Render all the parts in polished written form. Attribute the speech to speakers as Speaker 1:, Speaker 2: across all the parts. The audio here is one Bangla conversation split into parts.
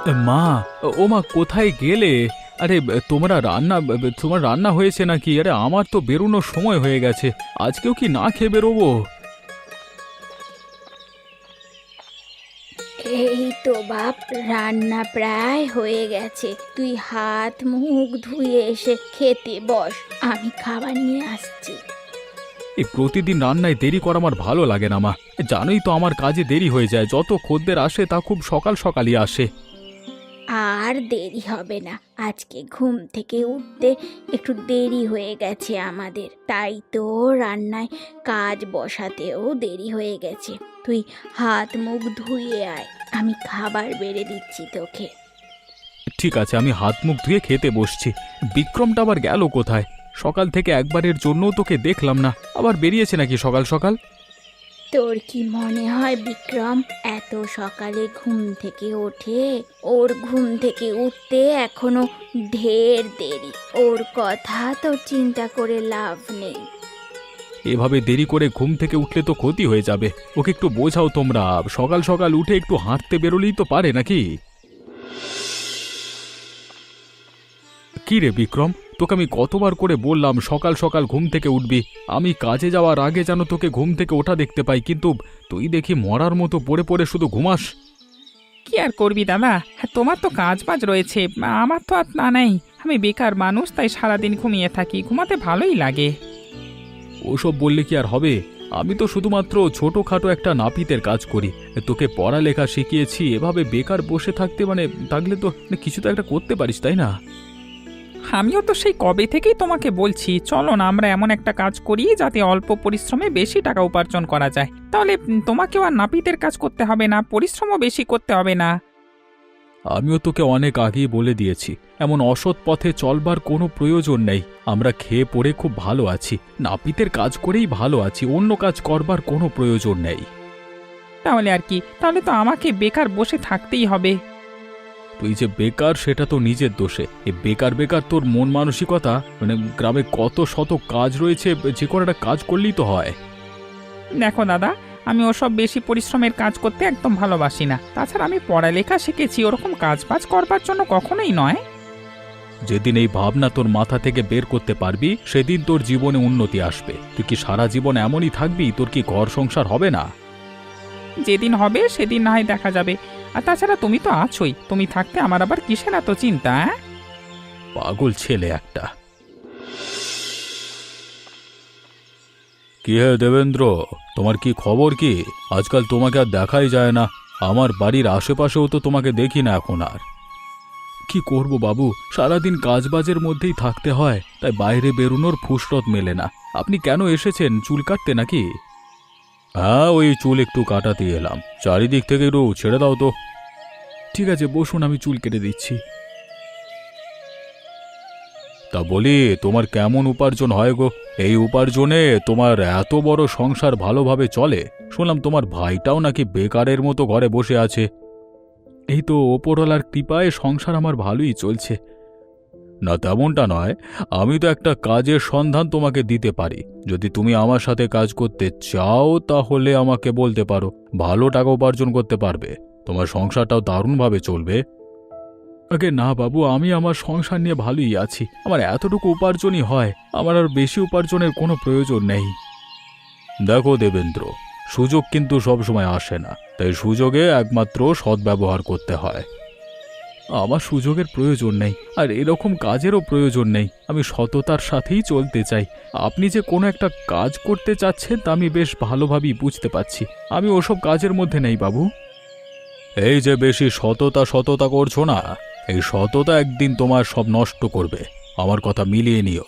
Speaker 1: মা, ও মা কোথায় গেলে? আরে তোমার রান্না হয়েছে নাকি? আরে আমার তো বেরোনোর সময় হয়ে গেছে, আজকেও কি না খেয়ে বেরোবো?
Speaker 2: এই তো বাপ, রান্না প্রায় হয়ে গেছে। তুই হাত মুখ ধুয়ে এসে খেতে বস, আমি খাবার নিয়ে আসছি।
Speaker 1: এই প্রতিদিন রান্নায় দেরি করা আমার ভালো লাগে না মা। জানোই তো আমার কাজে দেরি হয়ে যায়, যত খদ্দের আসে তা খুব সকাল সকালই আসে।
Speaker 2: আর দেরি হবে না, আজকে ঘুম থেকে উঠতে একটু দেরি হয়ে গেছে আমাদের, তাই তো রান্নায় কাজ বসাতেও দেরি হয়ে গেছে। তুই হাত মুখ ধুয়ে আয়, আমি খাবার বেড়ে দিচ্ছি তোকে।
Speaker 1: ঠিক আছে, আমি হাত মুখ ধুয়ে খেতে বসছি। বিক্রমটা আবার গেল কোথায়? সকাল থেকে একবারের জন্য তোকে দেখলাম না, আবার বেরিয়েছে নাকি সকাল সকাল?
Speaker 2: তোর কি মনে হয় বিক্রম এত সকালে ঘুম থেকে ওঠে? ওর ঘুম থেকে উঠতে এখনো ঢের দেরি, ওর কথা তো চিন্তা করে লাভ নেই।
Speaker 1: এভাবে দেরি করে ঘুম থেকে উঠলে তো ক্ষতি হয়ে যাবে। ওকে একটু বোঝাও তোমরা, সকাল সকাল উঠে একটু হাঁটতে বেরোলেই তো পারে নাকি? কি রে বিক্রম, তোকে আমি কতবার করে বললাম সকাল সকাল ঘুম থেকে উঠবি। আমি কাজে যাওয়ার আগে যেন তোকে ঘুম থেকে ওঠা দেখতে পাই, কিন্তু তুই দেখি মরার মতো পড়ে পড়ে শুধু ঘুমাস।
Speaker 3: কি আর করবি দাদা, হ্যাঁ তোমার তো কাজ বাজ রয়েছে, আমার তো আর না নেই। আমি বেকার মানুষ, তাই সারাদিন ঘুমিয়ে থাকি, ঘুমাতে ভালোই লাগে।
Speaker 1: ওসব বললে কি আর হবে? আমি তো শুধুমাত্র ছোটখাটো একটা নাপিতের কাজ করি, তোকে পড়ালেখা শিখিয়েছি। এভাবে বেকার বসে থাকতে থাকলে তো কিছু তো একটা করতে পারিস, তাই না?
Speaker 3: আমিও তো সেই কবে থেকেই তোমাকে বলছি, চলো না আমরা এমন একটা কাজ করি যাতে অল্প পরিশ্রমে বেশি টাকা উপার্জন করা যায়। তাহলে তোমাকেও আর নাপিতের কাজ করতে হবে না, পরিশ্রমও বেশি করতে হবে না।
Speaker 1: আমিও তোকে অনেক আগেই বলে দিয়েছি, এমন অসৎ পথে চলবার কোনো প্রয়োজন নেই। আমরা খেয়ে পড়ে খুব ভালো আছি, নাপিতের কাজ করেই ভালো আছি, অন্য কাজ করবার কোনো প্রয়োজন নেই।
Speaker 3: তাহলে আর কি, তাহলে তো আমাকে বেকার বসে থাকতেই হবে।
Speaker 1: তুই যে বেকার সেটা তো নিজের দোষে। এই বেকার বেকার তোর মন মানসিকতা, গ্রামে কত শত কাজ রয়েছে, যে কোনো একটা কাজ করলেই তো হয়।
Speaker 3: দেখো দাদা, আমি ওসব বেশি পরিশ্রমের কাজ করতে একদম ভালোবাসি না। তাছাড়া আমি পড়ালেখা শিখেছি, ওরকম কাজ বাজ করবার জন্য কখনোই নয়।
Speaker 1: যেদিন এই ভাবনা তোর মাথা থেকে বের করতে পারবি, সেদিন তোর জীবনে উন্নতি আসবে। তুই কি সারা জীবন এমনই থাকবি? তোর কি ঘর সংসার হবে না?
Speaker 3: যেদিন হবে সেদিন না হয় দেখা যাবে। আর তাছাড়া তুমি তো আছোই, তুমি থাকতে আমার আবার কিসের এত চিন্তা?
Speaker 1: পাগল ছেলে একটা। কি হে দেবেন্দ্র, তোমার কি খবর? কি আজকাল তোমাকে আর দেখাই যায় না। আমার বাড়ির আশেপাশেও তো তোমাকে দেখি না এখন আর। কি করব বাবু, সারাদিন কাজবাজের মধ্যেই থাকতে হয়, তাই বাইরে বেরোনোর ফুসরত মেলে না। আপনি কেন এসেছেন? চুল কাটতে নাকি? হ্যাঁ, ওই চুল একটু কাটাতে এলাম। চারিদিক থেকে একটু ছেড়ে দাও তো। ঠিক আছে বসুন, আমি চুল কেটে দিচ্ছি। তা বলি, তোমার কেমন উপার্জন হয় গো? এই উপার্জনে তোমার এত বড় সংসার ভালোভাবে চলে? শুনলাম তোমার ভাইটাও নাকি বেকারের মতো ঘরে বসে আছে। এই তো ওপরওয়ালার কৃপায় সংসার আমার ভালোই চলছে। না তেমনটা নয়, আমি তো একটা কাজের সন্ধান তোমাকে দিতে পারি। যদি তুমি আমার সাথে কাজ করতে চাও তাহলে আমাকে বলতে পারো, ভালো টাকা উপার্জন করতে পারবে, তোমার সংসারটাও দারুণভাবে চলবে। আগে না বাবু, আমি আমার সংসার নিয়ে ভালোই আছি, আমার এতটুকু উপার্জনই হয়, আমার আর বেশি উপার্জনের কোনো প্রয়োজন নেই। দেখো দেবেন্দ্র, সুযোগ কিন্তু সবসময় আসে না, তাই সুযোগে একমাত্র সদ্ব্যবহার করতে হয়। আমার সুযোগের প্রয়োজন নেই, আর এরকম কাজেরও প্রয়োজন নেই। আমি সততার সাথেই চলতে চাই। আপনি যে কোনো একটা কাজ করতে চাচ্ছেন তা আমি বেশ ভালোভাবেই বুঝতে পারছি। আমি ওসব কাজের মধ্যে নেই বাবু। এই যে বেশি সততা সততা করছো না, এই সততা একদিন তোমার সব নষ্ট করবে। আমার কথা মিলিয়ে নিও।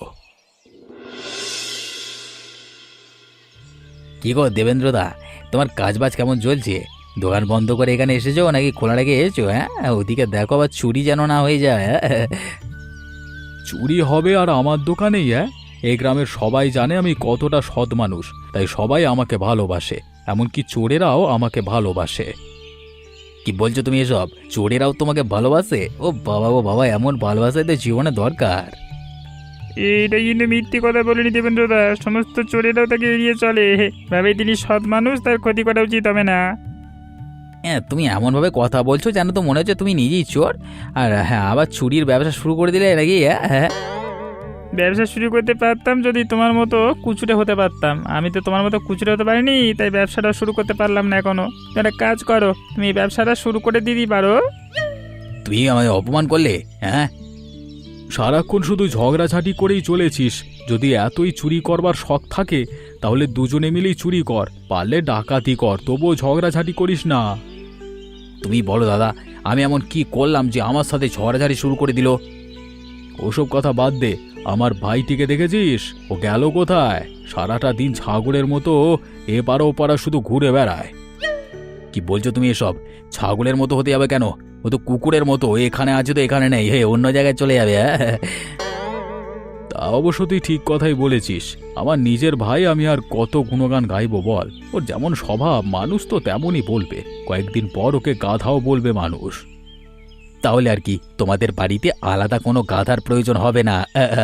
Speaker 4: কি গো দেবেন্দ্রদা, তোমার কাজবাজ কেমন চলছে? দোকান বন্ধ করে এখানে এসেছো নাকি খোলা রেখে এসেছো? হ্যাঁ, ওদিকে দেখো আবার চুরি যেন না হয়ে যায়। হ্যাঁ?
Speaker 1: চুরি হবে আর আমার দোকানেই? এই গ্রামের সবাই জানে আমি কতটা সৎ মানুষ, তাই সবাই আমাকে ভালোবাসে, এমনকি চোরেরাও আমাকে ভালোবাসে।
Speaker 4: কি বলছো তুমি এসব? চোরেরাও তোমাকে ভালোবাসে? ও বাবা, ও বাবা, এমন ভালোবাসাই তো জীবনে দরকার।
Speaker 3: এইটা কিন্তু মিথ্যে কথা বলেনি দেবেন্দ্রদা, সমস্ত চোরেরাও তাকে এড়িয়ে চলে, ভাবে তিনি সৎ মানুষ, তার ক্ষতি করা উচিত হবে না।
Speaker 4: হ্যাঁ, তুমি এমনভাবে কথা বলছো যেন তো মনে হচ্ছে তুমি নিজেই চোর। আর হ্যাঁ, আবার চুরির ব্যবসা শুরু করে দিলে নাকি? হ্যাঁ হ্যাঁ।
Speaker 3: ব্যবসা শুরু করতে পারতাম যদি তোমার মতো কুচুরে হতে পারতাম। আমি তো তোমার মতো কুচুরে হতে পারিনি, তাই ব্যবসাটা শুরু করতে পারলাম না এখনো। তুমি একটা কাজ করো, তুমি এই ব্যবসাটা শুরু করে দিতে পারো।
Speaker 4: তুমি আমায় অপমান করলে? হ্যাঁ,
Speaker 1: সারাক্ষণ শুধু ঝগড়াঝাটি করেই চলেছিস। যদি এতই চুরি করবার শখ থাকে তাহলে দুজনে মিলেই চুরি কর, পারলে ডাকাতি কর, তবুও ঝগড়াঝাটি করিস না।
Speaker 4: তুমি বলো দাদা, আমি এমন কি করলাম যে আমার সাথে ঝগড়াঝাড়ি শুরু করে দিল?
Speaker 1: ওসব কথা বাদ দে, আমার ভাইটিকে দেখেছিস? ও গেল কোথায়? সারাটা দিন ছাগলের মতো এপারা ওপারা শুধু ঘুরে বেড়ায়।
Speaker 4: কি বলছো তুমি এসব? ছাগলের মতো হতে যাবে কেন? ও তো কুকুরের মতো, এখানে আছে তো এখানে নেই, হে অন্য জায়গায় চলে যাবে। হ্যাঁ,
Speaker 1: তা অবশ্য তুই ঠিক কথাই বলেছিস। আমার নিজের ভাই, আমি আর কত গুণগান গাইবো বল। ওর যেমন স্বভাব, মানুষ তো তেমনই বলবে। কয়েকদিন পর ওকে গাধাও বলবে মানুষ।
Speaker 4: তাহলে আর কি, তোমাদের বাড়িতে আলাদা কোনো গাধার প্রয়োজন হবে না।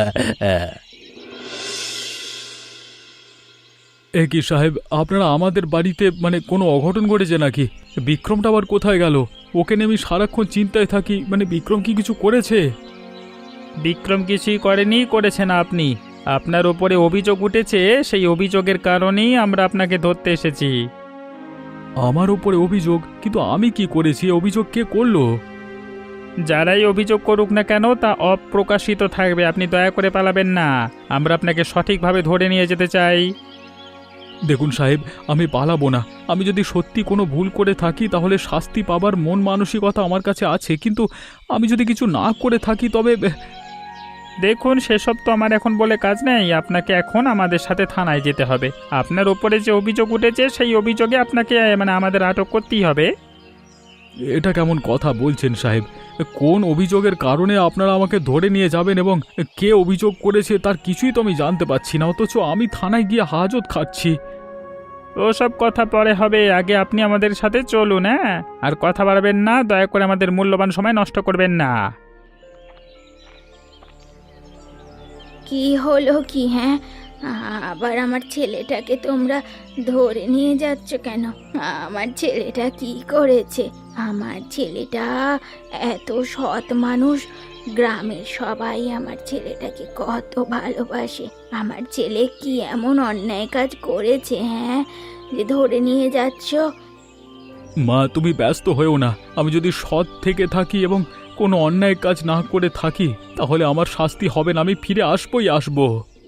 Speaker 1: এ কি সাহেব, আপনারা আমাদের বাড়িতে মানে কোনো অঘটন ঘটেছে নাকি? বিক্রমটা আবার কোথায় গেল? ওকে নিয়ে আমি সারাক্ষণ চিন্তায় থাকি। মানে বিক্রম কি কিছু করেছে?
Speaker 3: বিক্রম কিছুই করেনি, করেছেন আপনি। আপনার ওপরে অভিযোগ উঠেছে, সেই অভিযোগের কারণেই আমরা আপনাকে ধরতে এসেছি।
Speaker 1: আমার উপরে অভিযোগ? কিন্তু আমি কি করেছি? এ অভিযোগ কে করলো?
Speaker 3: যারাই অভিযোগ করুক না কেন তা অপ্রকাশিত থাকবে, আপনি দয়া করে পালাবেন না। আমরা আপনাকে সঠিকভাবে ধরে নিয়ে যেতে চাই।
Speaker 1: দেখুন সাহেব, আমি পালাবো না। আমি যদি সত্যি কোনো ভুল করে থাকি তাহলে শাস্তি পাবার মন মানসিকতা আমার কাছে আছে, কিন্তু আমি যদি কিছু না করে থাকি তবে
Speaker 3: দেখুন, সেসব তো আমার এখন বলে কাজ নেই। আপনাকে এখন আমাদের সাথে থানায় যেতে হবে। আপনার ওপরে যে অভিযোগ উঠেছে সেই অভিযোগে আপনাকে মানে আমাদের আটক করতেই হবে।
Speaker 1: এটা কেমন কথা বলছেন সাহেব? কোন অভিযোগের কারণে আপনারা আমাকে ধরে নিয়ে যাবেন এবং কে অভিযোগ করেছে তার কিছুই তো আমি জানতে পারছি না, অথচ আমি থানায় গিয়ে হাজত খাচ্ছি।
Speaker 3: ওসব কথা পরে হবে, আগে আপনি আমাদের সাথে চলুন। হ্যাঁ, আর কথা বাড়াবেন না, দয়া করে আমাদের মূল্যবান সময় নষ্ট করবেন না।
Speaker 2: কি হলো কি? হ্যাঁ, আবার আমার ছেলেটাকে তোমরা ধরে নিয়ে যাচ্ছ কেন? আমার ছেলেটা কি করেছে? আমার ছেলেটা এত সৎ মানুষ, গ্রামের সবাই আমার ছেলেটাকে কত ভালোবাসে। আমার ছেলে কি এমন অন্যায় কাজ করেছে, হ্যাঁ, যে ধরে নিয়ে যাচ্ছ?
Speaker 1: মা, তুমি ব্যস্ত হয়েও না। আমি যদি সৎ থেকে থাকি এবং কোনো অন্যায় কাজ না করে থাকি তাহলে আমার শাস্তি হবে না, আমি ফিরে আসবই আসবো।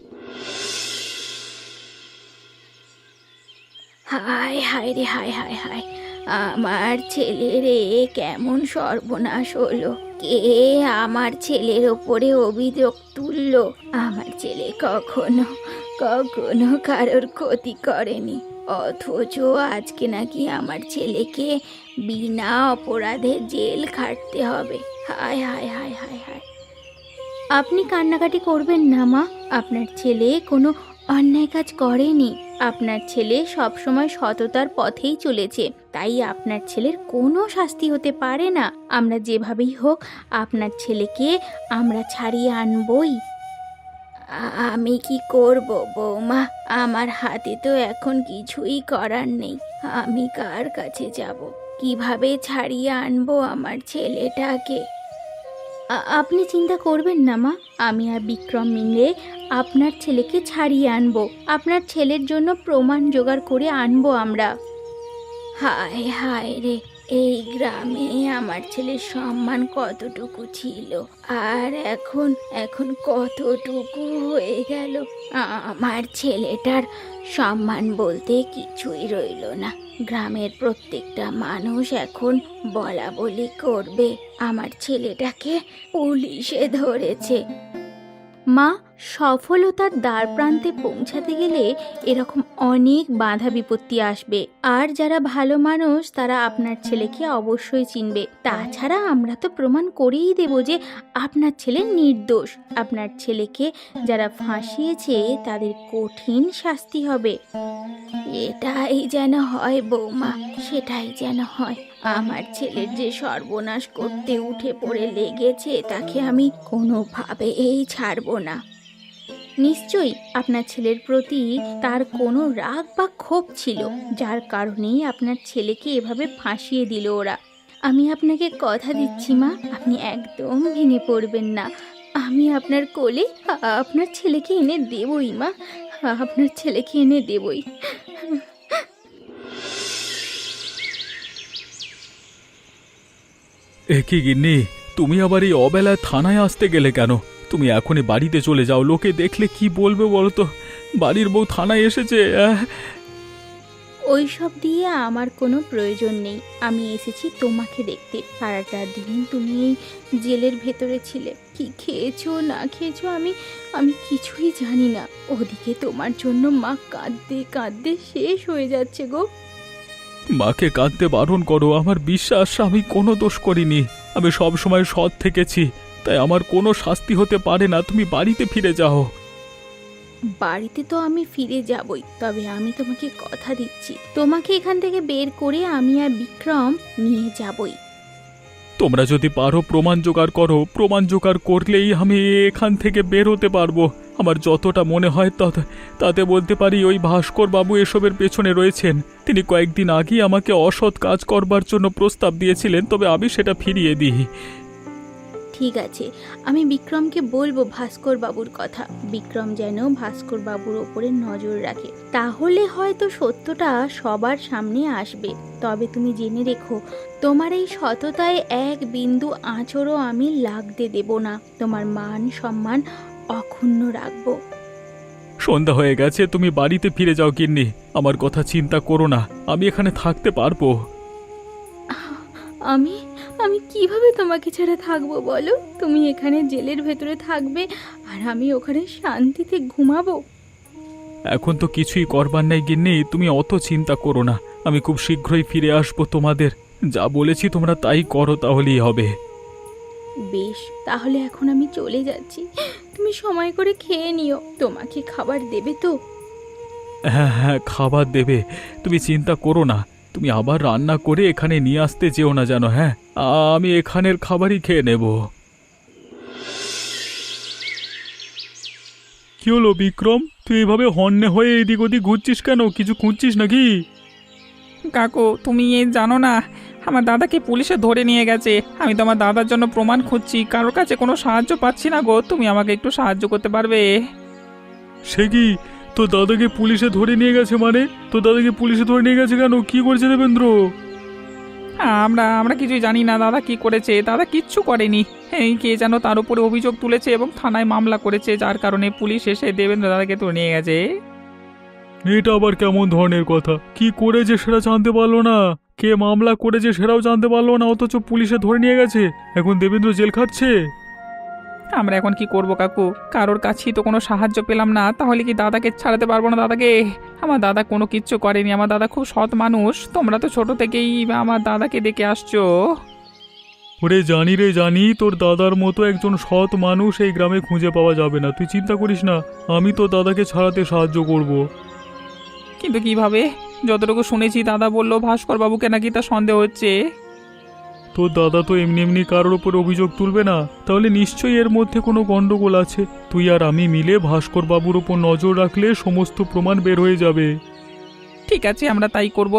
Speaker 2: হায় হায় রে, হায় হায় হায়, আমার ছেলেরে কেমন সর্বনাশ হলো! কে আমার ছেলের ওপরে অভিযোগ তুললো? আমার ছেলে কখনো কখনো কারোর ক্ষতি করেনি, অথচ আজকে নাকি আমার ছেলেকে বিনা অপরাধে জেল খাটতে হবে। হায় হায় হায় হায় হায়! আপনি কান্নাকাটি করবেন না মা, আপনার ছেলে কোনো অন্যায় কাজ করেনি। আপনার ছেলে সবসময় সততার পথেই চলেছে, তাই আপনার ছেলের কোনো শাস্তি হতে পারে না। আমরা যেভাবেই হোক আপনার ছেলেকে আমরা ছাড়িয়ে আনবই। আমি কি করব বৌমা? আমার হাতে তো এখন কিছুই করার নেই। আমি কার কাছে যাব? কিভাবে ছাড়িয়ে আনবো আমার ছেলেটাকে? আপনি চিন্তা করবেন না মা, আমি আর বিক্রম মিলে আপনার ছেলেকে ছাড়িয়ে আনবো। আপনার ছেলের জন্য প্রমাণ জোগাড় করে আনবো আমরা। হায় হায় রে, এই গ্রামে আমার ছেলের সম্মান কতটুকু ছিল, আর এখন এখন কতটুকু হয়ে গেল। আমার ছেলেটার সম্মান বলতে কিছুই রইল না। গ্রামের প্রত্যেকটা মানুষ এখন বলা বলি করবে আমার ছেলেটাকে পুলিশে ধরেছে। মা, সফলতার দ্বার প্রান্তে পৌঁছাতে গেলে এরকম অনেক বাধা বিপত্তি আসবে, আর যারা ভালো মানুষ তারা আপনার ছেলেকে অবশ্যই চিনবে। তাছাড়া আমরা তো প্রমাণ করেই দেব যে আপনার ছেলে নির্দোষ। আপনার ছেলেকে যারা ফাঁসিয়েছে তাদের কঠিন শাস্তি হবে। এটাই যেন হয় বৌমা, সেটাই যেন হয়। আমার ছেলের যে সর্বনাশ করতে উঠে পড়ে লেগেছে তাকে আমি কোনোভাবেই ছাড়বো না। নিশ্চয়ই আপনার ছেলের প্রতি তার কোনো রাগ বা ক্ষোভ ছিল, যার কারণেই আপনার ছেলেকে এভাবে ফাঁসিয়ে দিল ওরা। আমি আপনাকে কথা দিচ্ছি মা, আপনি একদম ভেঙে পড়বেন না। আমি আপনার কোলে আপনার ছেলেকে এনে দেবই মা, আপনার ছেলেকে এনে দেবই।
Speaker 1: এ কি গিন্নি, তুমি আবার এই অবেলায় থানায় আসতে গেলে কেন? তুমি এখনই বাড়িতে চলে যাও, লোকে দেখলে কি বলবে বলো তো? বাড়ির বউ থানায় এসেছে।
Speaker 2: ওই সব দিয়ে আমার কোনো প্রয়োজন নেই। আমি এসেছি তোমাকে দেখতে। সারাটা দিন তুমি এই জেলের ভেতরে ছিলে, কি খেয়েছো না খেয়েছো আমি আমি কিছুই জানি না। ওদিকে তোমার জন্য মা কাঁদতে কাঁদতে শেষ হয়ে যাচ্ছে গো।
Speaker 1: মাকে কাঁদতে বারণ করো। আমার বিশ্বাস আমি কোনো দোষ করিনি, আমি সব সময় সৎ থেকেছি, তাই আমার কোনো শাস্তি হতে পারে না। তুমি বাড়িতে ফিরে যাও।
Speaker 2: বাড়িতে তো আমি ফিরে যাবই, তবে আমি তোমাকে কথা দিচ্ছি, তোমাকে এখান থেকে বের করে আমি আর বিক্রম নিয়ে যাবই।
Speaker 1: তোমরা যদি পারো প্রমাণ জোগাড় করো, প্রমাণ জোগাড় করলেই আমি এখান থেকে বের হতে পারবো। আমার যতটা মনে হয় তাতে বলতে পারি ওই ভাস্কর বাবু এসবের পেছনে রয়েছেন। তিনি কয়েকদিন আগেই আমাকে অসৎ কাজ করবার জন্য প্রস্তাব দিয়েছিলেন, তবে আমি সেটা ফিরিয়ে দিই।
Speaker 2: ঠিক আছে, আমি বিক্রমকে বলবো ভাস্কর বাবুর কথা। বিক্রম যেন ভাস্কর বাবুর ওপরে নজর রাখে, তাহলে হয়তো সত্যটা সবার সামনে আসবে। তবে তুমি জেনে রেখো, তোমার এই সততায় এক বিন্দু আঁচড়ও আমি লাগতে দেব না। তোমার মান সম্মান অক্ষুণ্ণ রাখবো।
Speaker 1: সন্ধ্যা হয়ে গেছে, তুমি বাড়িতে ফিরে যাও গিন্নি। আমার কথা চিন্তা করো না, আমি এখানে থাকতে পারবো।
Speaker 2: আমি আমি কিভাবে তোমাকে ছাড়া থাকবো বলো? তুমি এখানে জেলের ভেতরে থাকবে আর আমি ওখানে শান্তিতে ঘুমাবো।
Speaker 1: এখন তো কিছুই করবার নেই গিন্নি, তুমি অত চিন্তা করো না। আমি খুব শীঘ্রই ফিরে আসবো। তোমাদের যা বলেছি তোমরা তাই করো, তাহলেই হবে।
Speaker 2: বেশ, তাহলে এখন আমি চলে যাচ্ছি। তুমি সময় করে খেয়ে নিও। তোমাকে খাবার দেবে তো?
Speaker 1: হ্যাঁ হ্যাঁ, খাবার দেবে, তুমি চিন্তা করো না। তুমি আবার রান্না করে এখানে নিয়ে আসতে যেও না জানো। হ্যাঁ, আমি এখানের খাবারই খেয়ে নেব। কি হলো বিক্রম, তুই এভাবে হন্যে হয়ে এদিক ওদিক ঘুরছিস কেন? কিছু খুঁজছিস নাকি?
Speaker 3: কাকু তুমি জানো না, আমার দাদাকে পুলিশে ধরে নিয়ে গেছে। আমি তো আমার দাদার জন্য প্রমাণ খুঁজছি, কারোর কাছে কোনো সাহায্য পাচ্ছি না গো। তুমি আমাকে একটু সাহায্য করতে পারবে?
Speaker 1: সে কি, তোর দাদাকে পুলিশে ধরে নিয়ে গেছে? মানে তোর দাদাকে পুলিশে ধরে নিয়ে গেছে কেন? কি করেছে দেবেন্দ্র?
Speaker 3: আমরা আমরা কিছুই জানি না দাদা কি করেছে। দাদা কিচ্ছু করেনি। এই কে যেন তার উপরে অভিযোগ তুলেছে এবং থানায় মামলা করেছে, যার কারণে পুলিশ এসে দেবেন্দ্র দাদাকে ধরে নিয়ে গেছে।
Speaker 1: এটা আবার কেমন ধরনের কথা? কি করেছে সেটা জানতে পারলো না, কে মামলা করেছে সেটাও জানতে পারলো না, অথচ পুলিশে ধরে নিয়ে গেছে। এখন দেবেন্দ্র জেল খাটছে।
Speaker 3: আমরা এখন কি করব কাকু? কারোর কাছেই তো কোনো সাহায্য পেলাম না। তাহলে কি দাদাকে ছাড়াতে পারবো না দাদাকে? আমার দাদা কোনো কিচ্ছু করেনি। আমার দাদা খুব সৎ মানুষ। তোমরা তো ছোট থেকেই আমার দাদাকে দেখে আসছো।
Speaker 1: ওরে জানি রে জানি, তোর দাদার মতো একজন সৎ মানুষ এই গ্রামে খুঁজে পাওয়া যাবে না। তুই চিন্তা করিস না, আমি তো দাদাকে ছাড়াতে সাহায্য করব।
Speaker 3: কিন্তু কিভাবে? যতটুকু শুনেছি দাদা বললো ভাস্কর বাবুকে নাকি তার সন্দেহ হচ্ছে।
Speaker 1: তোর দাদা তো এমনি এমনি কারোর ওপর অভিযোগ তুলবে না, তাহলে নিশ্চয়ই এর মধ্যে কোনো গন্ডগোল আছে। তুই আর আমি মিলে ভাস্কর বাবুর ওপর নজর রাখলে সমস্ত প্রমাণ বের হয়ে যাবে।
Speaker 3: ঠিক আছে, আমরা তাই করব।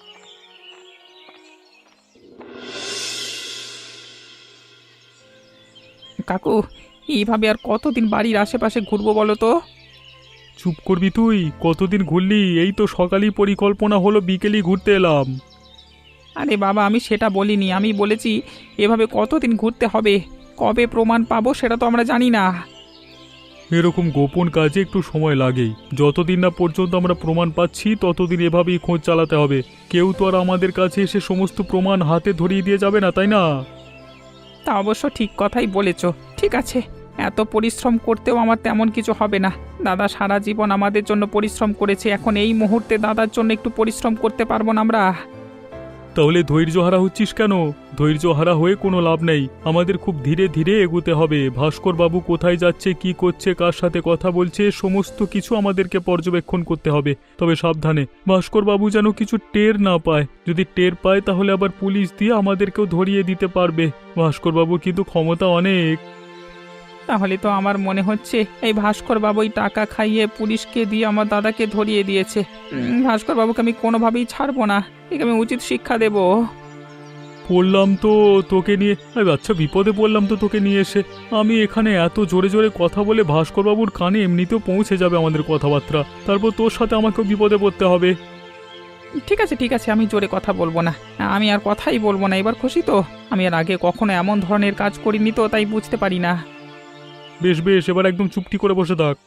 Speaker 3: কাকু এইভাবে আর কতদিন বাড়ির আশেপাশে ঘুরবো বলো তো?
Speaker 1: চুপ করবি তুই? কতদিন ঘুরলি? এই তো সকালই পরিকল্পনা হলো, বিকেলই ঘুরতে এলাম।
Speaker 3: আরে বাবা, আমি সেটা বলিনি। আমি বলেছি এভাবে কতদিন ঘুরতে হবে, কবে প্রমাণ পাবো সেটা তো আমরা জানি না।
Speaker 1: এরকম গোপন কাজে একটু সময় লাগেই। যতদিন না পর্যন্ত আমরা প্রমাণ পাচ্ছি ততদিন এভাবেই খোঁজ চালাতে হবে। কেউ তো আর আমাদের কাছে এসে সমস্ত প্রমাণ হাতে ধরিয়ে দিয়ে যাবে না, তাই না?
Speaker 3: তা অবশ্য ঠিক কথাই বলেছ। ঠিক আছে, এত পরিশ্রম করতেও আমার তেমন কিছু হবে না। দাদা সারা জীবন আমাদের জন্য পরিশ্রম করেছে, এখন এই মুহূর্তে দাদার জন্য একটু পরিশ্রম করতে পারবো না আমরা?
Speaker 1: তাহলে ধৈর্য হারা হচ্ছিস কেন? ধৈর্য হারা হয়ে কোনো লাভ নেই। আমাদের খুব ধীরে ধীরে এগুতে হবে। ভাস্কর বাবু কোথায় যাচ্ছে, কি করছে, কার সাথে কথা বলছে, সমস্ত কিছু আমাদেরকে পর্যবেক্ষণ করতে হবে। তবে সাবধানে, ভাস্কর বাবু যেন কিছু টের না পায়। যদি টের পায় তাহলে আবার পুলিশ দিয়ে আমাদেরকেও ধরিয়ে দিতে পারবে। ভাস্কর বাবু কিন্তু ক্ষমতা অনেক।
Speaker 3: তাহলে তো আমার মনে হচ্ছে এই ভাস্কর বাবু ওই টাকা খাইয়ে পুলিশকে দিয়ে আমার দাদাকে ধরিয়ে দিয়েছে। ভাস্কর বাবুকে আমি কোনোভাবেই ছাড়বো না, একে আমি উচিত শিক্ষা দেবো।
Speaker 1: পড়লাম তো তোকে নিয়ে, আচ্ছা বিপদে পড়লাম তো তোকে নিয়ে এসে। আমি এখানে এত জোরে জোরে কথা বলে ভাস্করবাবুর কানে এমনিতেও পৌঁছে যাবে আমাদের কথাবার্তা, তারপর তোর সাথে আমাকেও বিপদে পড়তে হবে।
Speaker 3: ঠিক আছে, আমি জোরে কথা বলবো না, আমি আর কথাই বলবো না। এবার খুশি তো? আমি আর আগে কখনো এমন ধরনের কাজ করিনি তো, তাই বুঝতে পারি না।
Speaker 1: বেশ বেশ, এবার একদম চুপটি করে বসে থাক।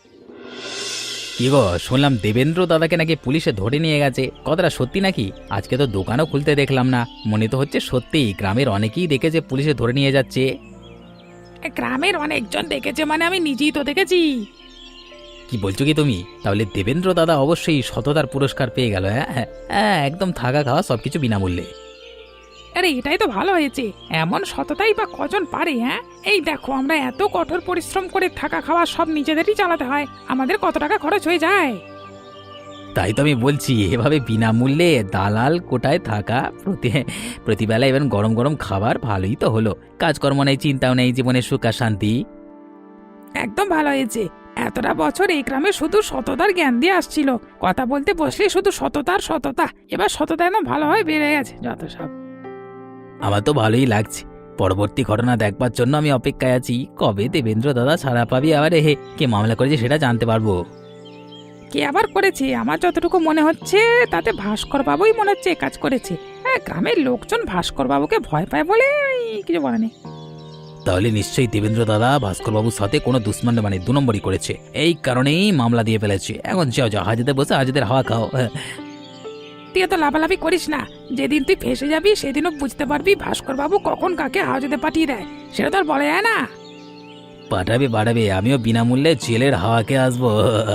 Speaker 4: কি গো, শুনলাম দেবেন্দ্র দাদাকে নাকি পুলিশে ধরে নিয়ে গেছে, কথাটা সত্যি নাকি? আজকে তো দোকানও খুলতে দেখলাম না, মনে তো হচ্ছে সত্যি। গ্রামের অনেকেই দেখেছে পুলিশে ধরে নিয়ে যাচ্ছে।
Speaker 3: গ্রামের অনেকজন দেখেছে মানে আমি নিজেই তো দেখেছি।
Speaker 4: কি বলছো কি তুমি? তাহলে দেবেন্দ্র দাদা অবশ্যই সততার পুরস্কার পেয়ে গেল। হ্যাঁ হ্যাঁ, একদম থাকা খাওয়া সবকিছু বিনামূল্যে।
Speaker 3: আরে এটাই তো ভালো হয়েছে, এমন সততাই বা কজন পারে? হ্যাঁ, এই দেখো আমরা এত কঠোর পরিশ্রম করে থাকা খাওয়া সব নিজেদেরই চালাতে হয়, আমাদের কত টাকা খরচ হয়ে যায়।
Speaker 4: তাই তো আমি বলছি, এভাবে বিনামূল্যে দালাল কোটায় থাকা, প্রতিবেলা এবার গরম গরম খাবার, ভালোই তো হলো। কাজকর্ম নেই, চিন্তাও নেই, জীবনের সুখ আর শান্তি।
Speaker 3: একদম ভালো হয়েছে। এতটা বছর এই গ্রামে শুধু সততার জ্ঞান দিয়ে আসছিল, কথা বলতে বসলে শুধু সততার সততা, এবার সততা একদম ভালোভাবে বেড়ে গেছে যত সব।
Speaker 4: আমার তো ভালোই লাগছে। পরবর্তী ঘটনা দেখবার জন্য আমি অপেক্ষায় আছি, কবে দেবেন্দ্র দাদা ছাড়া পাবি, আবার কে মামলা করেছে সেটা জানতে পারবো।
Speaker 3: কে আবার করেছে? আমার যতটুকু মনে হচ্ছে তাতে ভাস্কর বাবুই মনে হচ্ছে কাজ করেছে। হ্যাঁ, গ্রামের লোকজন ভাস্কর বাবুকে ভয় পায় বলে কিছু বলে নেই।
Speaker 4: তাহলে নিশ্চয়ই দেবেন্দ্র দাদা ভাস্কর বাবুর সাথে কোনো দুশ্মন মানে 2 নম্বরই করেছে, এই কারণেই মামলা দিয়ে ফেলেছে। এখন যাও যাও, হাজতে বসে হাজতের হাওয়া খাও।
Speaker 3: তুই তো লাফালাফি করিস না, যেদিন তুই ফেসে যাবি সেদিনও বুঝতে পারবি ভাস্কর বাবু কখন কাকে হাজতে পাঠিয়ে দেয়, সেটা তো আর বলা যায় না।
Speaker 4: পাঠাবে বাড়াবে, আমিও বিনামূল্যে জেলের হাওয়াকে আসবো।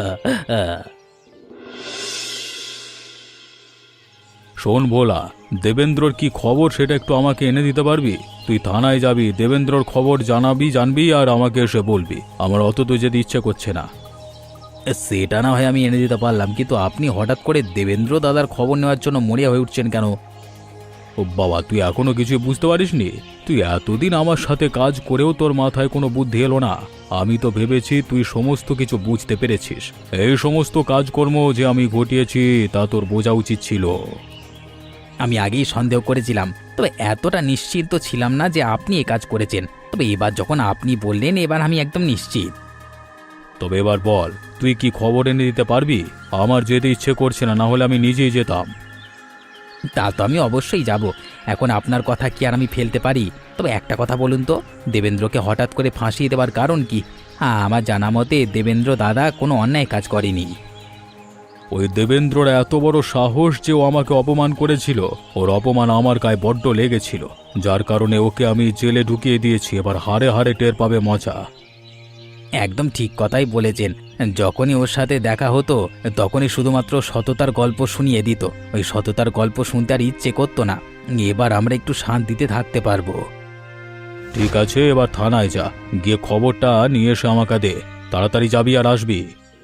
Speaker 1: শোন ভোলা, দেবেন্দ্রর কি খবর সেটা একটু আমাকে এনে দিতে পারবি? তুই থানায় যাবি, দেবেন্দ্রর খবর জানবি আর আমাকে এসে বলবি। আমার অত তো যেতে ইচ্ছে করছে না।
Speaker 4: সেটা না হয় আমি এনে দিতে পারলাম, কিন্তু আপনি হঠাৎ করে দেবেন্দ্র দাদার খবর নেওয়ার জন্য মরিয়া হয়ে উঠছেন কেন?
Speaker 1: ও বাবা, তুই এখনো কিছুই বুঝতে পারিসনি? তুই এতদিন আমার সাথে কাজ করেও তোর মাথায় কোনো বুদ্ধি এলো না? আমি তো ভেবেছি তুই সমস্ত কিছু বুঝতে পেরেছিস। এই সমস্ত কাজকর্ম যে আমি ঘটিয়েছি তা তোর বোঝা উচিত ছিল।
Speaker 4: আমি আগেই সন্দেহ করেছিলাম, তবে এতটা নিশ্চিত তো ছিলাম না যে আপনি এ কাজ করেছেন। তবে এবার যখন আপনি বললেন, এবার আমি একদম নিশ্চিত।
Speaker 1: তবে এবার বল, তুই কি খবর এনে দিতে পারবি? আমার যেতে ইচ্ছে করছে না, না হলে আমি নিজেই যেতাম।
Speaker 4: তা তো আমি অবশ্যই যাব, এখন আপনার কথা কি আর আমি ফেলতে পারি? তবে একটা কথা বলুন তো, দেবেন্দ্রকে হঠাৎ করে ফাঁসিয়ে দেওয়ার কারণ কি? হ্যাঁ, আমার জানা মতে দেবেন্দ্র দাদা কোনো অন্যায় কাজ করেনি।
Speaker 1: ওই দেবেন্দ্রর এত বড় সাহস যে ও আমাকে অপমান করেছিল, ওর অপমান আমার গায়ে বড্ড লেগেছিল, যার কারণে ওকে আমি জেলে ঢুকিয়ে দিয়েছি। এবার হারে হারে টের পাবে মজা।
Speaker 4: একদম ঠিক কথাই বলেছেন। যখনই ওর সাথে দেখা হতো তখনই শুধুমাত্র সততার গল্প শুনিয়ে দিত। ওই সততার গল্প শুনতে আর ইচ্ছে করতো না। এবার আমরা একটু শান্তিতে থাকতে পারবো।
Speaker 1: ঠিক আছে, এবার থানায় যা, গিয়ে খবরটা নিয়ে এসে আমাকে দে। তাড়াতাড়ি যাবি আর আসবি।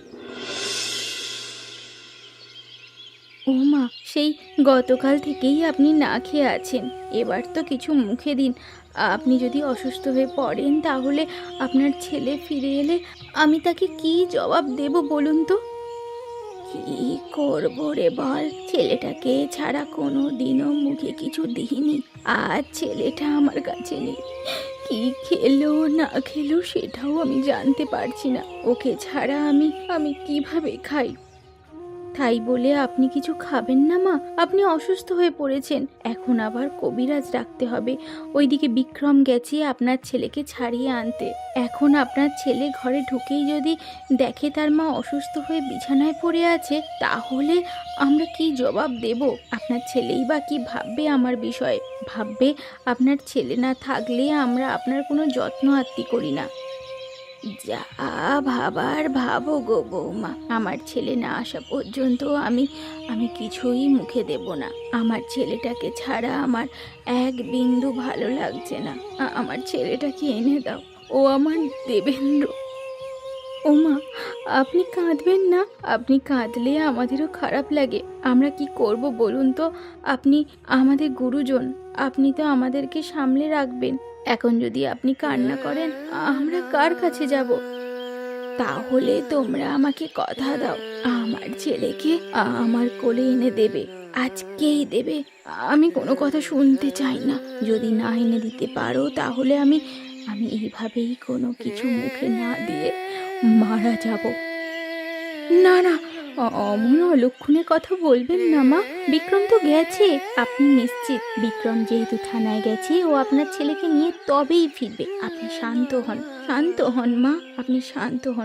Speaker 2: ও মা, সেই গতকাল থেকেই আপনি না খেয়ে আছেন, এবার তো কিছু মুখে দিন। আপনি যদি অসুস্থ হয়ে পড়েন তাহলে আপনার ছেলে ফিরে এলে আমি তাকে কি জবাব দেব বলুন তো? কি করব রে বল, ছেলেটাকে ছাড়া কোনো দিনও মুখে কিছু দিইনি, আর ছেলেটা আমার কাছে নেই। কি খেলো না খেলো সেটাও আমি জানতে পারছি না। ওকে ছাড়া আমি কিভাবে খাই? তাই বলে আপনি কিছু খাবেন না মা? আপনি অসুস্থ হয়ে পড়েছেন, এখন আবার কবিরাজ রাখতে হবে। ওইদিকে বিক্রম গেছে আপনার ছেলেকে ছাড়িয়ে আনতে। এখন আপনার ছেলে ঘরে ঢুকেই যদি দেখে তার মা অসুস্থ হয়ে বিছানায় পড়ে আছে, তাহলে আমরা কি জবাব দেব? আপনার ছেলেই বা কি ভাববে আমার বিষয়ে? ভাববে আপনার ছেলে না থাকলে আমরা আপনার কোনো যত্ন আত্তি করি না। যা ভাবার ভাবো গো বৌমা, আমার ছেলে না আসা পর্যন্ত আমি কিছুই মুখে দেব না। আমার ছেলেটাকে ছাড়া আমার এক বিন্দু ভালো লাগছে না। আমার ছেলেটাকে এনে দাও, ও আমার দেবেন্দ্র। ও মা, আপনি কাঁদবেন না, আপনি কাঁদলে আমাদেরও খারাপ লাগে। আমরা কি করব বলুন তো? আপনি আমাদের গুরুজন, আপনি তো আমাদেরকে সামলে রাখবেন। এখন যদি আপনি কান্না করেন আমরা কার কাছে যাব? তাহলে তোমরা আমাকে কথা দাও, আমার ছেলেকে আমার কোলে এনে দেবে, আজকেই দেবে। আমি কোনো কথা শুনতে চাই না। যদি না এনে দিতে পারো তাহলে আমি আমি এইভাবেই কোনো কিছু মুখে না দিয়ে মারা যাব। না না, অমন অলক্ষণে কথা বলবেন না মা। বিক্রম তো গেছে, আপনি নিশ্চিত? বিক্রম যেহেতু থানায় গেছে, ও আপনার ছেলেকে নিয়ে তবেই ফিরবে। আপনি শান্ত হন, শান্ত হন মা, আপনি শান্ত হন।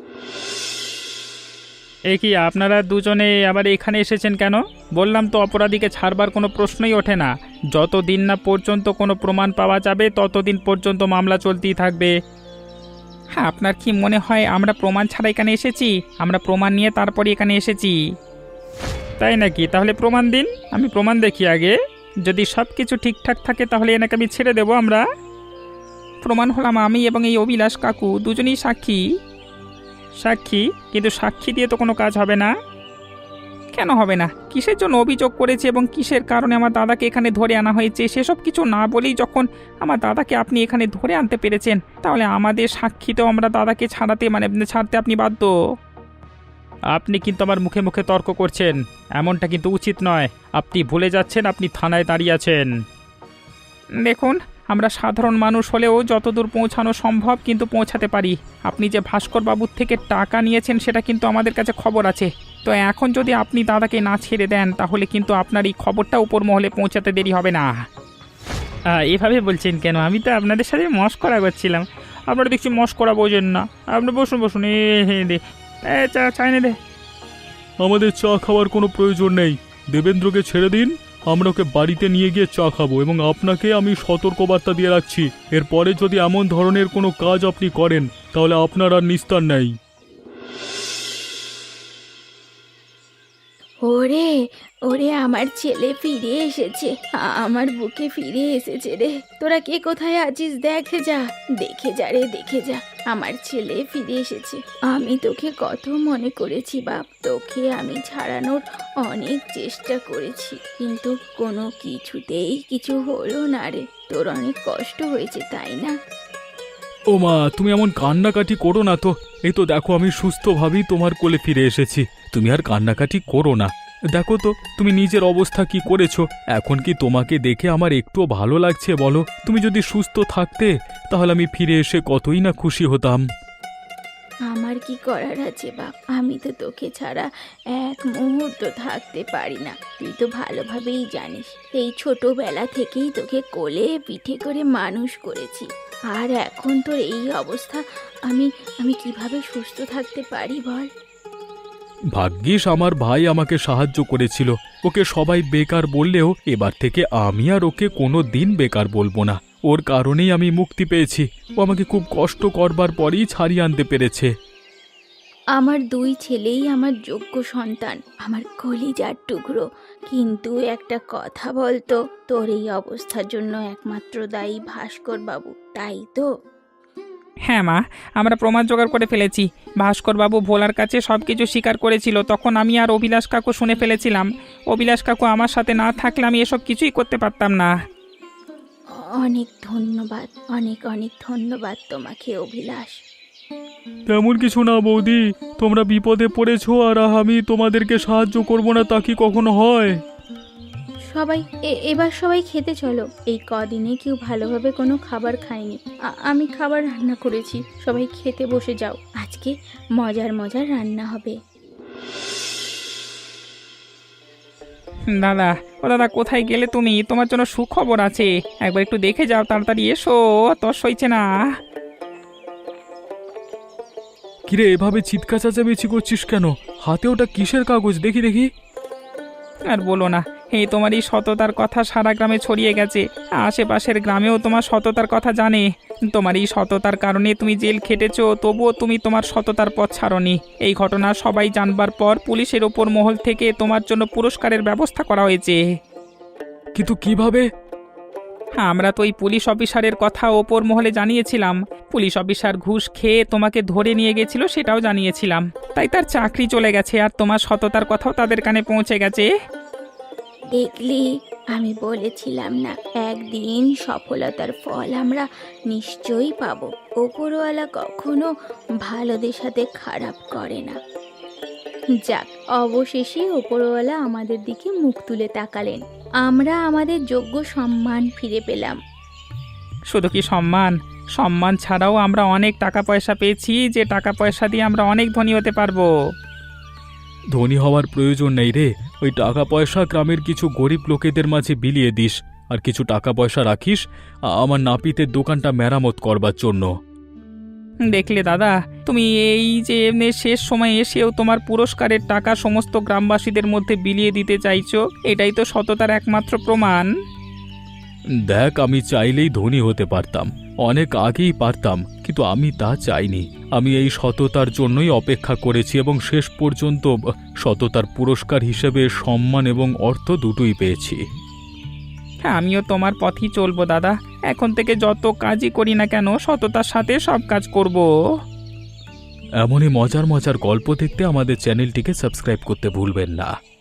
Speaker 3: এ কি আপনারা দুজনে আবার এখানে এসেছেন কেন? বললাম তো অপরাধীকে ছাড়বার কোনো প্রশ্নই ওঠে না। যতদিন না পর্যন্ত কোনো প্রমাণ পাওয়া যাবে ততদিন পর্যন্ত মামলা চলতেই থাকবে। হ্যাঁ, আপনার কি মনে হয় আমরা প্রমাণ ছাড়া এখানে এসেছি? আমরা প্রমাণ নিয়ে তারপরে এখানে এসেছি। তাই নাকি? তাহলে প্রমাণ দিন, আমি প্রমাণ দেখি আগে। যদি সব কিছু ঠিকঠাক থাকে তাহলে এনাকে আমি ছেড়ে দেবো। আমরা প্রমাণ হলাম আমি এবং এই অভিলাষ কাকু, দুজনেই সাক্ষী। সাক্ষী? কিন্তু সাক্ষী দিয়ে তো কোনো কাজ হবে না। কেন হবে না? কিসের জন্য অভিযোগ করেছে এবং কিসের কারণে আমার দাদাকে এখানে ধরে আনা হয়েছে সেসব কিছু না বলেই যখন আমার দাদাকে আপনি এখানে ধরে আনতে পেরেছেন, তাহলে আমাদের সাক্ষীতেও আমরা দাদাকে ছাড়তে আপনি বাধ্য। আপনি কিন্তু আমার মুখে মুখে তর্ক করছেন, এমনটা কিন্তু উচিত নয়। আপনি ভুলে যাচ্ছেন আপনি থানায় দাঁড়িয়ে আছেন। দেখুন, আমরা সাধারণ মানুষ হলেও যতদূর পৌঁছানো সম্ভব কিন্তু পৌঁছাতে পারি। আপনি যে ভাস্কর বাবুর থেকে টাকা নিয়েছেন সেটা কিন্তু আমাদের কাছে খবর আছে। তো এখন যদি আপনি দাদাকে না ছেড়ে দেন তাহলে কিন্তু আপনার এই খবরটা উপর মহলে পৌঁছাতে দেরি হবে না। এভাবে বলছেন কেন? আমি তো আপনাদের সাথে মস্করা করছিলাম। আপনারা দেখছি মস্করা বোঝেন না। আপনি বসুন বসুন। চা এনে দে।
Speaker 1: আমাদের চা খাওয়ার কোনো প্রয়োজন নেই, দেবেন্দ্রকে ছেড়ে দিন। আমরা ওকে বাড়িতে নিয়ে গিয়ে চা খাবো এবং আপনাকে আমি সতর্কবার্তা দিয়ে রাখছি, এরপরে যদি এমন ধরনের কোনো কাজ আপনি করেন তাহলে আপনার আর নিস্তার নেই।
Speaker 2: ওরে ওরে, আমার ছেলে ফিরে এসেছে, আমার বুকে ফিরে এসেছে রে। তোরা কে কোথায় আছিস দেখে যা, দেখে যা রে, দেখে যা। আমার ছেলে ফিরে এসেছে। আমি তোকে কত মনে করেছি বাপ, তোকে আমি ছাড়ানোর অনেক চেষ্টা করেছি, কিন্তু কোনো কিছুতেই কিছু হলো না রে। তোর অনেক কষ্ট হয়েছে তাই না?
Speaker 1: ও মা, তুমি এমন কান্নাকাটি করো না তো। এই তো দেখো আমি সুস্থভাবেই তোমার কোলে ফিরে এসেছি। তুমি আর কান্নাকাটি করো না। দেখো তো তুমি নিজের অবস্থা কি করেছো। এখন কি তোমাকে দেখে আমার একটুও ভালো লাগছে বলো? তুমি যদি সুস্থ থাকতে তাহলে আমি ফিরে এসে কতই না খুশি হতাম।
Speaker 2: আমার কি করার আছে বাপ, আমি তো তোকে ছাড়া এক মুহূর্ত থাকতে পারি না। তুই তো ভালোভাবেই জানিস, এই ছোটবেলা থেকেই তোকে কোলে পিঠে করে মানুষ করেছি। আর এখন তোর এই অবস্থা, আমি আমি কিভাবে সুস্থ থাকতে পারি বল?
Speaker 1: ভাগ্যিস আমার ভাই আমাকে সাহায্য করেছিল। ওকে সবাই বেকার বললেও এবার থেকে আমি আর ওকে কোনো দিন বেকার বলবো না। ওর কারণেই আমি মুক্তি পেয়েছি। ও আমাকে খুব কষ্ট করবার পরই ছাড়িয়ে আনতে পেরেছে।
Speaker 2: আমার দুই ছেলেই আমার যোগ্য সন্তান, আমার কলিজার টুকরো। কিন্তু একটা কথা বলতো, তোর এই অবস্থার জন্য একমাত্র দায়ী ভাস্কর বাবু, তাই তো?
Speaker 3: হ্যাঁ মা, আমরা প্রমাণ জোগাড় করে ফেলেছি। ভাস্করবাবু ভোলার কাছে সব কিছু স্বীকার করেছিল। তখন আমি আর অভিলাষ কাকু শুনে ফেলেছিলাম। অভিলাষ কাকু আমার সাথে না থাকলে আমি এসব কিছুই করতে পারতাম না।
Speaker 2: অনেক ধন্যবাদ, অনেক অনেক ধন্যবাদ তোমাকে অভিলাষ।
Speaker 1: তেমন কিছু না বৌদি, তোমরা বিপদে পড়েছো আর আমি তোমাদেরকে সাহায্য করব না তা কি কখনো হয়?
Speaker 2: সবাই এবার সবাই খেতে চলো। এই কদিনে কেউ ভালোভাবে কোনো খাবার খায়নি। আমি খাবার রান্না করেছি, সবাই খেতে বসে যাও। আজকে মজার মজার রান্না হবে।
Speaker 3: দাদা, ও দাদা, কোথায় গেলে তুমি? তোমার জন্য সুখবর আছে, একবার একটু দেখে যাও, তাড়াতাড়ি এসো, তোর সইছে না।
Speaker 1: কিরে এভাবে চিৎকার চেঁচামেচি করছিস কেন? হাতে ওটা কিসের কাগজ? দেখি দেখি।
Speaker 3: আর বলো না, এই তোমার এই সততার কথা সারা গ্রামে ছড়িয়ে গেছে। আশেপাশের গ্রামেও তোমার সততার কথা জানে। তোমার এই সততার কারণে তুমি জেল খেটেছো, তবুও তুমি তোমার সততার পথ ছাড়োনি। এই ঘটনা সবাই জানবার পর পুলিশের ওপর মহল থেকে তোমার জন্য পুরস্কারের ব্যবস্থা করা হয়েছে।
Speaker 1: কিন্তু কিভাবে?
Speaker 3: আমরা তো ওই পুলিশ অফিসারের কথা ওপর মহলে জানিয়েছিলাম। পুলিশ অফিসার ঘুষ খেয়ে তোমাকে ধরে নিয়ে গেছিল সেটাও জানিয়েছিলাম। তাই তার চাকরি চলে গেছে আর তোমার সততার কথাও তাদের কানে পৌঁছে গেছে।
Speaker 2: দেখলি, আমি বলেছিলাম না, একদিন সফলতার ফল আমরা নিশ্চয়ই পাবো। ওপরওয়ালা কখনো ভালোদের সাথে খারাপ করে না। যাক, অবশেষে ওপরওয়ালা আমাদের দিকে মুখ তুলে তাকালেন। আমরা আমাদের যোগ্য সম্মান ফিরে পেলাম।
Speaker 3: শুধু কি সম্মান, সম্মান ছাড়াও আমরা অনেক টাকা পয়সা পেয়েছি, যে টাকা পয়সা দিয়ে আমরা অনেক ধনী হতে পারবো।
Speaker 1: ধনী হওয়ার প্রয়োজন নেই রে, ওই টাকা পয়সা গ্রামের কিছু গরিব লোকেদের মাঝে বিলিয়ে দিস, আর কিছু টাকা পয়সা রাখিস আমার নাপিতের দোকানটা মেরামত করবার জন্য।
Speaker 3: দেখলে দাদা, তুমি এই যে এমনি শেষ সময় এসেও তোমার পুরস্কারের টাকা সমস্ত গ্রামবাসীদের মধ্যে বিলিয়ে দিতে চাইছো, এটাই তো সততার একমাত্র প্রমাণ।
Speaker 1: দেখ, আমি চাইলেই ধনী হতে পারতাম, অনেক আগেই পারতাম, কিন্তু আমি তা চাইনি। আমি এই সততার জন্যই অপেক্ষা করেছি এবং শেষ পর্যন্ত সততার পুরস্কার হিসেবে সম্মান এবং অর্থ দুটোই পেয়েছি।
Speaker 3: হ্যাঁ, আমিও তোমার পথই চলবো দাদা। এখন থেকে যত কাজই করি না কেন সততার সাথে সব কাজ করব।
Speaker 1: এমনই মজার মজার গল্প দেখতে আমাদের চ্যানেলটিকে সাবস্ক্রাইব করতে ভুলবেন না।